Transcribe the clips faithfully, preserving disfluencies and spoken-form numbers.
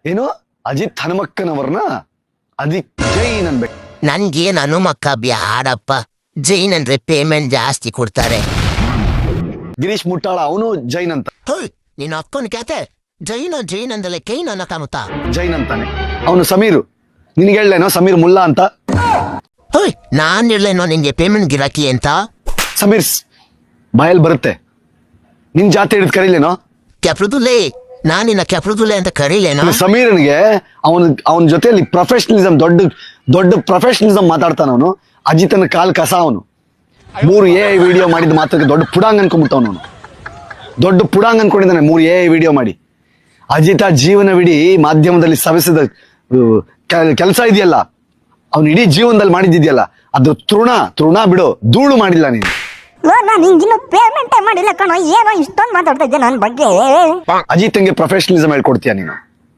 ಏನು ಅಜಿತ್ ಹನುಮಕ್ಕನವ್ರನ್ನ ಅದಿಕ್ ಜೈನ್ ಅನ್ಬೇಕು. ನನ್ಗೇನ್ ಹನುಮಕ್ಕ ಬ್ಯಾಡಪ್ಪ, ಜೈನ್ ಅಂದ್ರೆ ಪೇಮೆಂಟ್ ಜಾಸ್ತಿ ಕೊಡ್ತಾರೆ. ಗಿರೀಶ್ ಮುಟ್ಟಾಳ ಅವನು ಜೈನ್ ಅಂತ. ಹೋಯ್ ನಿನ್ನ ಅಪ್ಪನ ಕ್ಯಾತೆ ಜೈನ ಜೈನ್ ಅಂದಲೆ ಕೈನ್ ಅನ್ನತಾನುತ್ತ ಜೈನ್ ಅಂತಾನೆ ಅವನು. ಸಮೀರು ನಿನ್ಗೆ ಹೇಳೇನೋ ಸಮೀರ್ ಮುಲ್ಲಾ ಅಂತ. ಹೋಯ್ ನಾನ್ ಇರ್ಲೇನೋ ನಿನ್ಗೆ ಪೇಮೆಂಟ್ ಗಿರಾಕಿ ಅಂತ. ಸಮೀರ್ ಬಾಯಲ್ಲಿ ಬರುತ್ತೆ, ನಿನ್ ಜಾತಿ ಹಿಡಿದು ಕರೀಲೇನೋ. ಕೆಪ್ರದುಲೆ ನಾನ್ ನಿನ್ನ ಕೆಪ್ರದುಲೆ ಅಂತ ಕರೀಲೇನೋ. ಸಮೀರನ್ಗೆ ಅವನ ಅವನ ಜೊತೆಯಲ್ಲಿ ಪ್ರೊಫೆಷನಲಿಸಂ ದೊಡ್ಡ ದೊಡ್ಡ ಪ್ರೊಫೆಷನಲಿಸಂ ಮಾತಾಡ್ತಾನ ಅವನು. ಅಜಿತನ ಕಾಲ್ ಕಸ ಅವನು. ಮೂರು ಎ ವಿಡಿಯೋ ಮಾಡಿದ ಮಾತ್ರಕ್ಕೆ ದೊಡ್ಡ ಪುಡಾಂಗ್ ಅನ್ಕೊಂಡ್ಬಿಟ್ಟವನು ಅವನು. ದೊಡ್ಡ ಪುಡಾಂಗ್ ಅನ್ಕೊಂಡಿದ್ದಾನೆ ಮೂರು ಎ ವಿಡಿಯೋ ಮಾಡಿ. ಅಜಿತ ಜೀವನವಿಡೀ ಮಾಧ್ಯಮದಲ್ಲಿ ಸವೆಸಿದ ಕೆಲಸ ಇದೆಯಲ್ಲ, ಅವ್ನು ಇಡೀ ಜೀವನದಲ್ಲಿ ಮಾಡಿದ್ದಿದೆಯಲ್ಲ, ಅದು ತೃಣ ತೃಣ ಬಿಡು, ಧೂಳು ಮಾಡಿಲ್ಲ ನೀನು. ನಾನು ಹಿಂಗಿನ್ನು ಪೇಮೆಂಟೇ ಮಾಡಿಲ್ಲ ಕಣೋ, ಏನೋ ಇಷ್ಟೊಂದು ಮಾತಾಡ್ತಾ ಇದ್ದೆ ನನ್ನ ಬಗ್ಗೆ. ಅಜಿತ್ಗೆ ಪ್ರೊಫೆಷನಲಿಸಂ ಹೇಳ್ಕೊಡ್ತೀಯ ನೀನು?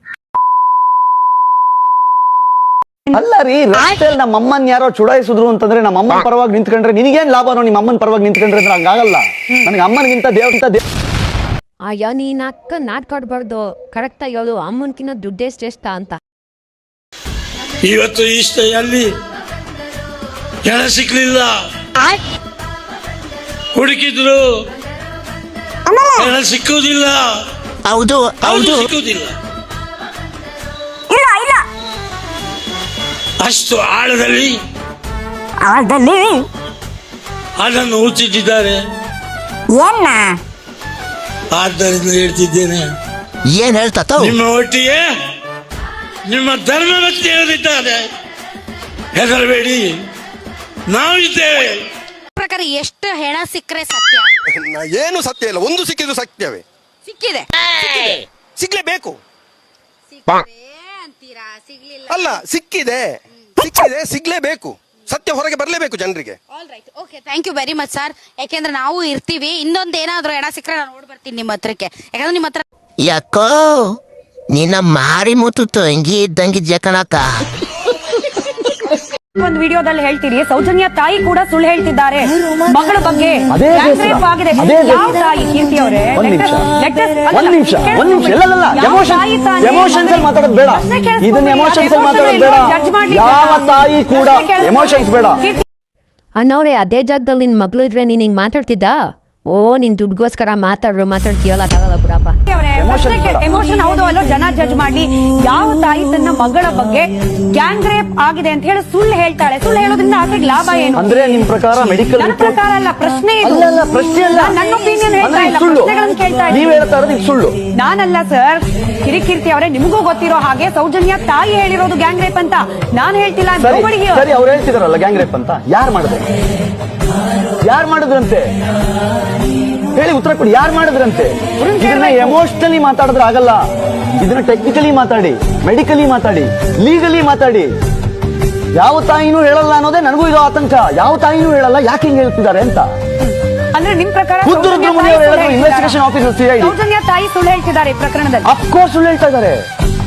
ಅಲ್ಲ ರೀ, ರಸ್ತೆಯಲ್ಲಿ ನಮ್ಮ ಅಮ್ಮನ್ ಯಾರೋ ಚುಡಾಯಿಸಿದ್ರು ಅಂತಂದ್ರೆ ನಮ್ಮ ಅಮ್ಮನ ಪರವಾಗಿ ನಿಂತ್ಕೊಂಡ್ರೆ ನಿನಗೇನ್ ಲಾಭನೋ? ನಿಮ್ಮ ಅಮ್ಮನ ಪರವಾಗಿ ನಿಂತ್ಕೊಂಡ್ರೆ ಅಂದ್ರೆ ಹಂಗಾಗಲ್ಲ. ನನಗೆ ಅಮ್ಮನಿಗಿಂತ ದೇವ್ರಂತ ದೇವ್. ಅಯ್ಯೋ ನೀನ್ ಅಕ್ಕ ನಾಟ್ಕೊಡ್ಬಾರ್ದು, ಕರೆಕ್ಟ್ ಆಗಿ ಹೇಳು, ಅಮ್ಮನ್ಕಿನ್ನ ದುಡ್ಡೇ ಶ್ರೇಷ್ಠ ಅಂತ. ಇವತ್ತು ಇಷ್ಟ ಅಲ್ಲಿ ಕೆಳ ಸಿಕ್ಲಿಲ್ಲ, ಹುಡುಕಿದ್ರು ಕೆಳ ಸಿಕ್ಕುವುದಿಲ್ಲ. ಹೌದು ಹೌದು ಸಿಕ್ಕುವುದಿಲ್ಲ. ಇಲ್ಲ ಇಲ್ಲ ಅಷ್ಟು ಆಳದಲ್ಲಿ ಆಳದಲ್ಲಿ ಅದನ್ನು ಹುಚ್ಚಿಟ್ಟಿದ್ದಾರೆ. ಏನ್ನ ಆದ್ದರಿಂದ ಹೇಳ್ತಿದ್ದೇನೆ, ಏನ್ ಹೇಳ್ತಾತ? ನಿಮ್ಮ ಒಟ್ಟಿಗೆ ನಿಮ್ಮ ಧರ್ಮವತ್ತಿ ಇದ್ದಾರೆ, ಹೆದರಬೇಡಿ, ನಾವು ಇದ್ದೇವೆ. ಪ್ರಕಾರ ಎಷ್ಟು ಹೆಣ ಸಿಕ್ಕರೆ ಸತ್ಯ? ಏನು ಸತ್ಯ ಇಲ್ಲ, ಒಂದು ಸಿಕ್ಕಿದ್ರು ಸತ್ಯವೇ. ಸಿಕ್ಕಿದೆ, ಸಿಗ್ಲೇಬೇಕು. ಅಂತೀರಾ? ಸಿಗ್ಲಿಲ್ಲ. ಅಲ್ಲ, ಸಿಕ್ಕಿದೆ ಸಿಕ್ಕಿದೆ ಸಿಗ್ಲೇಬೇಕು. ಸತ್ಯ ಹೊರಗೆ ಬರಲೇಬೇಕು ಜನರಿಗೆ. All right, okay, thank you very much sir. ಯಾಕೆಂದ್ರೆ ನಾವು ಇರ್ತೀವಿ, ಇನ್ನೊಂದು ಏನಾದ್ರು ಹೆಣ ಸಿಕ್ಕರೆ ನಾನು ನೋಡ್ ಬರ್ತೀನಿ ನಿಮ್ಮ ಹತ್ರಕ್ಕೆ. ಯಾಕಂದ್ರೆ ನಿಮ್ಮ ಹತ್ರ ಯಾಕೋ ನಿನ್ನ ಮಾರಿ ಮುತ್ತು ಹಂಗಿ ಇದ್ದಂಗಿದ್ಯ ಕಣಕ್ಕ. ಒಂದು ವಿಡಿಯೋದಲ್ಲಿ ಹೇಳ್ತೀರಿ ಸೌಜನ್ಯ ತಾಯಿ ಕೂಡ ಸುಳ್ಳು ಹೇಳ್ತಿದ್ದಾರೆ ಮಗಳ ಬಗ್ಗೆ. ಅದೇ Gang rape ಆಗಿದೆ. ಯಾವ ತಾಯಿ? ಕೀರ್ತಿ ಅವರೇ, ಒಂದ್ ನಿಮಿಷ let us- ಒಂದ್ ನಿಮಿಷ ಒಂದ್ ನಿಮಿಷ ಇಲ್ಲ ಇಲ್ಲ ಯಾವ ಎಮೋಷನ್ ತಾಯಿ ತಾನೇ? ಎಮೋಷನ್ಸ್ ಅಲ್ಲಿ ಮಾತಾಡೋದು ಬೇಡ. ಪ್ರಶ್ನೆ ಕೇಳಿಸ್ಕೊಳ್ಳಿ. ಇದನ್ನ ಎಮೋಷನ್ಸ್ ಅಲ್ಲಿ ಮಾತಾಡೋದು ಬೇಡ. judge ಮಾಡ್ಲಿಕ್ಕೆ ಯಾವ ಬೇಡ. ತಾಯಿ ಕೂಡ ಪ್ರಶ್ನೆ ಕೇಳಿಸ್ಕೊಳ್ಳಿ. ಎಮೋಷನ್ಸ್ ಬೇಡ. ಕೀರ್ತಿ ಅನ್ನೋರೆ ಅದೇ ಜಾಗದಲ್ಲಿ ನಿನ್ ಮಗ್ಳು ಇದ್ರೆ ನೀನ್ ಹಿಂಗ್ ಮಾತಾಡ್ತಿದ್ದ? ಓ ನಿನ್ ದುಡ್ಗೋಸ್ಕರ ಮಾತಾಡ್ರು ಮಾತಾಡ್ತೀಯಲ್ಲ, ಆಗಲ್ಲ ಬಿಡಪ್ಪ. ಎಮೋಷನ್ ಹೌದು ಅಲ್ಲೋ ಜನ ಜಡ್ಜ್ ಮಾಡ್ಲಿ. ಯಾವ ತಾಯಿ ತನ್ನ ಮಗಳ ಬಗ್ಗೆ ಗ್ಯಾಂಗ್ ರೇಪ್ ಆಗಿದೆ ಅಂತ ಹೇಳಿ ಸುಳ್ಳು ಹೇಳ್ತಾಳೆ? ಸುಳ್ಳು ಹೇಳೋದ್ರಿಂದ ಆಕೆಗೆ ಲಾಭ ಏನು? ಅಂದ್ರೆ ನಿಮ್ ಪ್ರಕಾರ ಮೆಡಿಕಲ್ ನನ್ನ ಪ್ರಕಾರ ಅಲ್ಲ, ಪ್ರಶ್ನೆ ಇದು. ಅಲ್ಲ ಅಲ್ಲ ಪ್ರಶ್ನೆ ಅಲ್ಲ, ನಾನ್ ನನ್ನ ಒಪಿನಿಯನ್ ಹೇಳ್ತಾ ಅಂದ್ರೆ ಇಲ್ಲ, ಸುಳ್ಳು. ಪ್ರಶ್ನೆಗಳನ್ನು ಕೇಳ್ತಾ ನೀವ್ ಇದ್ದೀನಿ. ಹೇಳ್ತಾ ಇರೋದು ಇದು ಸುಳ್ಳು. ನಾನಲ್ಲ ಸರ್, ಕಿರಿಕೀರ್ತಿ ಅವರೇ, ನಿಮಗೂ ಗೊತ್ತಿರೋ ಹಾಗೆ ಸೌಜನ್ಯ ತಾಯಿ ಹೇಳಿರೋದು ಗ್ಯಾಂಗ್ ರೇಪ್ ಅಂತ. ನಾನ್ ಹೇಳ್ತಿಲ್ಲ. ಸರಿ nobody here. ಸರಿ, ಅವ್ರು ಹೇಳ್ತಿದಾರಲ್ಲ ಗ್ಯಾಂಗ್ ರೇಪ್ ಅಂತ. ಯಾರು ಮಾಡಿದ್ರು? ಯಾರು ಮಾಡಿದ್ರಂತೆ? ಹೇಳಿ, ಉತ್ತರ ಕೊಡಿ. ಯಾರು ಮಾಡಿದ್ರಂತೆ? ಇದನ್ನ ಎಮೋಷನಲಿ ಮಾತಾಡಿದ್ರೆ ಆಗಲ್ಲ. ಇದನ್ನ ಟೆಕ್ನಿಕಲಿ ಮಾತಾಡಿ, ಮೆಡಿಕಲಿ ಮಾತಾಡಿ, ಲೀಗಲಿ ಮಾತಾಡಿ. ಯಾವ ತಾಯಿನೂ ಹೇಳಲ್ಲ ಅನ್ನೋದೇ ನನಗೂ ಇದು ಆತಂಕ. ಯಾವ ತಾಯಿನೂ ಹೇಳಲ್ಲ, ಯಾಕೆ ಹಿಂಗ್ ಹೇಳ್ತಿದ್ದಾರೆ ಅಂತ. ಅಂದ್ರೆ ನಿಮ್ ಪ್ರಕಾರ ಖುದ್ದು ಸೌಜನ್ಯ ರುದ್ರಮುನಿ ತಾಯಿ ಅವರು ಸುಳ್ಳು ಹೇಳಿದ್ರು, ಇನ್ವೆಸ್ಟಿಗೇಷನ್ ಆಫೀಸರ್ ಸಿಐಡಿ. ಸೌಜನ್ಯ ತಾಯಿ ಸುಳ್ಳು ಹೇಳ್ತಿದ್ದಾರೆ ಈ ಪ್ರಕರಣದಲ್ಲಿ. ಅಫ್ಕೋರ್ಸ್ ಸುಳ್ಳು ಹೇಳ್ತಾ ಇದ್ದಾರೆ.